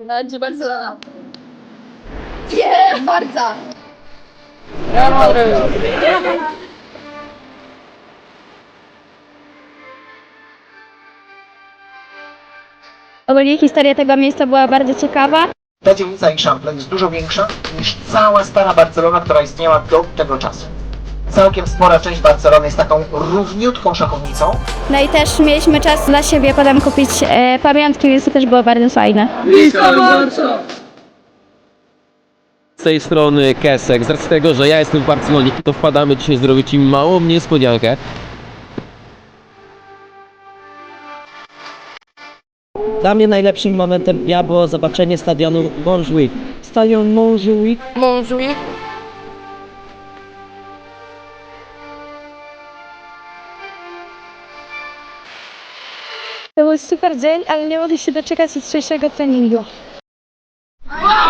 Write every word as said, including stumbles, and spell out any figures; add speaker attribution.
Speaker 1: Będzie Barcelona. Nie, Barca. Real Madrid.
Speaker 2: Ogólnie historia tego miejsca była bardzo ciekawa.
Speaker 3: Ta dzielnica Eixample jest dużo większa niż cała stara Barcelona, która istniała do tego czasu. Całkiem spora część Barcelony jest taką równiutką szachownicą.
Speaker 2: No i też mieliśmy czas dla siebie potem kupić e, pamiątki, więc to też było bardzo fajne.
Speaker 4: Z tej strony Kesek, z racji tego, że ja jestem w Barcelonie, to wpadamy dzisiaj zrobić im małą niespodziankę.
Speaker 5: Dla mnie najlepszym momentem dnia było zobaczenie stadionu Montjuic. Stadion Montjuic
Speaker 1: Montjuic.
Speaker 2: To był super dzień, ale nie mogę się doczekać jutrzejszego treningu.